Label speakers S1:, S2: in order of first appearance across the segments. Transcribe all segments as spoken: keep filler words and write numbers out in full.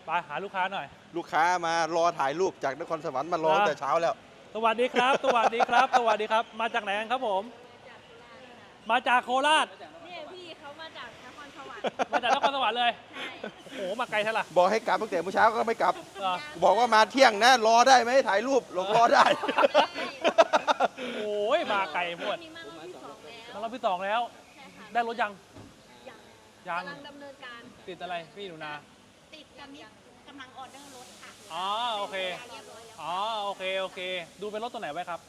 S1: ไปหาลูกค้าหน่อย
S2: ลูกค้ามารอถ่ายรูปจากนครสวรรค์มารอตั้งแต่เช้าแล้ว
S1: สวัสดีครับ สวัสดีครับ สวัสดีครับ มาจากไหนกันครับผม มาจากโคราช
S3: เนี่ยพี่เขามาจากนครสวรรค์
S1: มาจากนครสวรรค์เลย
S3: ใช่
S1: โอ้โห มาไกลเท่าไหร่
S2: บอกให้กลับตั้งแต่เมื่อเช้าก็ไม่กลับ
S1: เหรอ
S2: บอกว่ามาเที่ยงนะรอได้ไหมถ่ายรูปหลงรอได้
S1: โอ้ย มาไกลหมด
S3: นี่มารอบที่สองแล้ว
S1: มารอบที่สองแล้ว
S3: ใช่ค่ะ
S1: ได้รถยัง
S3: ยัง
S1: ยัง
S3: กำลังดำเนินการ
S1: ติดอะไรพี่หนูนา
S3: ติดกันนี้กำลังออเดอร์รถค่ะ
S1: อ๋อ โอเค
S3: เรียบร้อยแล้ว
S1: อ๋อ โอเค โอเค ดูเป็นรถตัวไหนไว้ครับ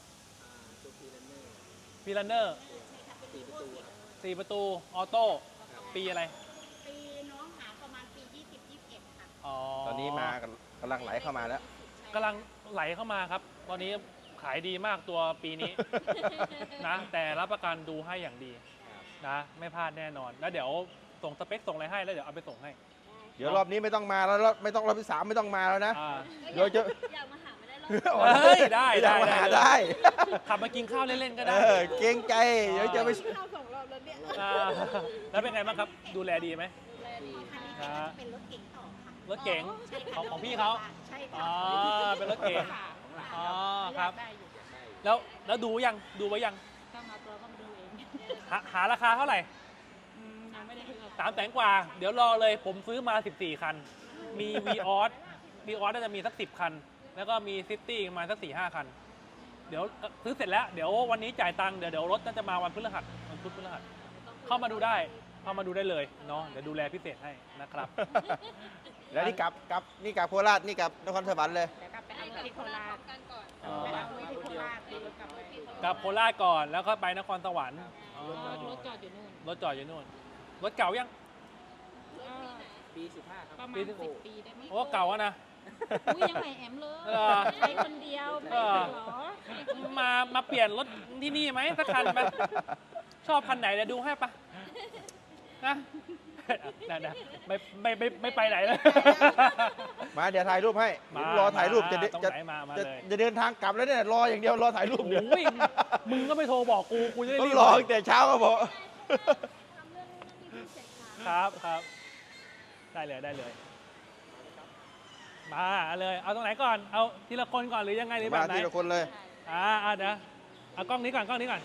S1: พีรันเนอร์
S3: ใช่ค่ะเป็นรีโวสี
S1: สี่ประตู ออโต้ ปีอะไร
S3: ปีน้องหาประมาณปียี่สิบ ยี่สิบเอ็ดค่ะ
S1: อ๋อ
S2: ตอนนี้มากำลังไหลเข้ามาแล้ว
S1: กำลังไหลเข้ามาครับ ตอนนี้ขายดีมากตัวปีนี้ นะ แต่รับประกันดูให้อย่างดีนะ ไม่พลาดแน่นอน แล้วเดี๋ยวส่งสเปคส่งอะไรให้แล้วเดี๋ยวเอาไปส่งให้
S2: เดี๋ยวรอบนี้ไม่ต้องมาแล้วรอบไม่ต้องรอบที่สามไม่ต้องมาแล้วนะ
S1: อ่า
S2: เดี๋ยวจะ
S3: อยากมาหาไม่ได้รอบ
S1: เฮ้ยได้
S2: อยากมา
S1: ได้
S2: หา
S1: ได้
S2: ได้
S1: ขับมากินข้าวเล่นๆก็
S2: เอ
S1: ได้
S2: อเกรงใจเดี๋ยวจะไป
S3: เข้าสองรอบแล้วเนี่ย
S1: อ่าแล้วเป็นไงบ้างครับ ดูแลดีไหม
S3: แลดีคันนี้เป็นรถเก๋งต่อค่ะ
S1: รถเก๋ง
S3: ใช่ค่ะ
S1: ของของพี่เขา
S3: ใช่
S1: อ๋
S3: ค่ะ
S1: อ เป็นรถเก๋ง
S3: ค่ะ
S1: อ๋อ ครับ
S3: ได้อยู่
S1: แล้วแล้วดูยัง ดูไว้ยัง
S3: ถ้ามาตัวก็มาดูเอง
S1: หาหาราคาเท่าไหร่
S3: อืมยังไม่ได้คุยกับ
S1: สามแสนกว่า เดี๋ยวรอเลย ผมซื้อมา สิบสี่ คัน มี v ีออส v ีออสน่าจะมีสักสิบคัน แล้วก็มีซิตี้ประมาณสักสี่ห้าคัน เดี๋ยวเอ่อซื้อเสร็จแล้ว เดี๋ยววันนี้จ่ายตังค์ เดี๋ยวเดี๋ยวรถน่าจะมาวันพฤหัสวันพุธพฤหัส เข้ามาดูได้ เข้ามาดูได้เลยเนาะ เดี๋ยวดูแลพิเศษให้นะครับ
S2: แล้วนี่กลับกลับนี่กลับโคราชนี่กลับนครสวรรค์เลย
S3: เดี๋ยวกลับไปเอาที่โคราชกันก่อน
S1: อ๋อ
S3: ไปเอาไว้ที่โคราชตีรถกลับไป
S1: กลับโคราชก่อน แล้วก็ไปนครสวรรค์อ๋อ
S3: รถจอดอยู่นู่น
S1: รถจอดอยู่นู่น รถเก่ายัง
S4: ปีสิบห้าครับ
S3: ประมาณ
S1: ปี
S3: สิบปีได้ไหม
S1: โอ้เก่าอะนะ
S3: อุ้ยยังใหม่แอมเลย
S1: เออ
S3: ใช้คนเดียวไม่
S1: เออ
S3: เหรอ
S1: มามาเปลี่ยนรถที่นี่ไหมสักคันไหมชอบคันไหนเดี๋ยวดูให้ปะนะนะนะไม่ไม่ไม่ไม่ไปไหนเลย
S2: มาเดี๋ยวถ่ายรูปให้
S1: มา
S2: เดี๋ยวรอถ่ายรูปจะ
S1: มาตรง
S2: จะ
S1: ไหนมามา
S2: จะ
S1: เลย
S2: จะเดินทางกลับแล้วเนี่ยรออย่างเดียวรอถ่ายรูปเดียว
S1: โอ้ยมึงก็ไม่โทรบอกกูกูจะได้
S2: ต้อ
S1: รี
S2: ง
S1: บ
S2: รอตั้งแต่เช้าก็บอก
S3: ทำเรื่องนู้นนี่เสร็จ
S1: ค
S3: ค่ะ
S1: รับครับ ได้เลยได้เลย มาเลย เอาตรงไหนก่อน เอาทีละคนก่อนหรือยังไงหรือแบ
S2: มา
S1: บไหน
S2: ทีละคนเลย
S1: อ่าอ่าเดี๋ยวเอากล้องนี้ก่อนกล้องนี้ก่อน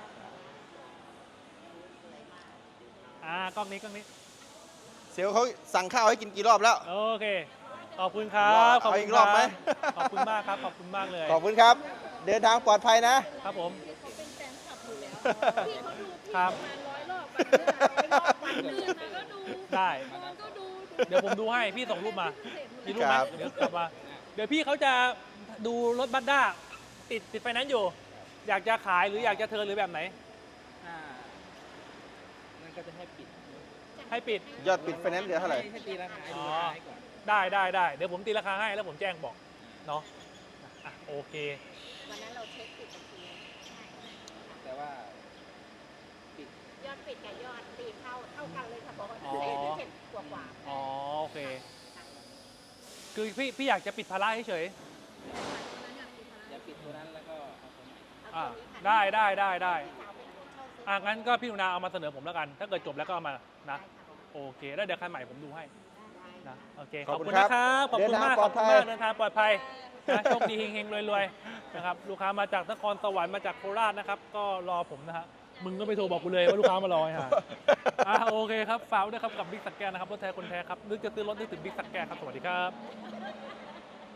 S1: อ่ากล้องนี้กล้องนี้
S2: เซลลเขาสั่งข้าวให้กินกี่รอบแล้ว
S1: โอเค ขอบคุณครับขอบ
S2: เอา
S1: คุ
S2: อี
S1: ณ
S2: กรอบไหม
S1: ขอบคุณมากครับ ขอบคุณมากเลย
S2: ขอบคุณครับ เดินทางปลอดภัยนะ
S1: ครับผม
S3: เขาเป็นแฟนคลับอยู่แล้วพี่เขาดูพี่
S1: ครั
S3: ป
S1: บ
S3: ระมาณร้อยรอบวันเนี้ร้อยรอบวันอื่นนะก็ดู
S1: ได้
S3: นอนก็ดู
S1: เดี๋ยวผมดูให้ พี่ส่งรูปมา มีรูปไหม
S2: ครับ
S1: เดี๋ยวกลับมา เดี๋ยวพี่เขาจะดูรถบัสด้าติดติดไฟแนนซ์อยู่ อยากจะขายหรืออยากจะเทิร์นหรือแบบไหน
S4: อ่ามันก็จะให้ปิด
S1: ให้ปิด
S2: ยอดปิดไฟแนนซ์เหลือเท่าไหร่
S4: ให้ตีราคาให้
S1: อ๋
S4: ดู
S1: อ
S4: ราคาให้ก่อน
S1: ได้ได้ได้เดี๋ยวผมตีราคาให้แล้วผมแจ้งบอก เนาะอ่ะโอเค
S3: วันนั้นเราเช็คปิดบัญชีใช่
S4: แต่ว่าปิด
S3: ยอดปิดกับยอดตีเข้าเท่ากันเลยค่ะบอกว่า
S1: อ๋อ
S3: เจ็ดเจ็ดกว่ากว่า
S1: อ๋อโอเค คือพี่พี่อยากจะปิดภาระเฉย
S4: อย่าปิดตัวนั้นแล้วก็เอาตัวใหม่
S1: ๆอ่าได้ได้ได้ได้อ่ะงั้นก็พี่หนุนาเอามาเสนอผมแล้วกัน ถ้าเกิดจบแล้วก็เอามานะ โอเค แล้วเดี๋ยวคันใหม่ผมดูให้นะ โอเค ข
S2: ข
S1: อ
S2: อ
S1: บบ
S2: คุ
S1: คุณ
S2: ณครับ
S1: นะครับ ขอบคุณมาก
S2: เดินทาง
S1: ขอบคุณ
S2: ปลอดภั
S1: มาย กเดินทางปลอดภัยนะโชคดีเฮงๆรวยๆนะครับ ลูกค้ามาจากนครสวรรค์มาจากโคราชนะครับ ก็รอผมนะฮะ มึงก็ไปโทรบอกกูเลยว่าลูกค้ามารอฮะอ่ะโอเคครับฝากไว้ด้วยครับกับบิ๊กสักแก้วนะครับรถแท้คนแท้ครับนึกจะซื้อรถนึกถึงบิ๊กสักแก้วครับ สวัสดีครับ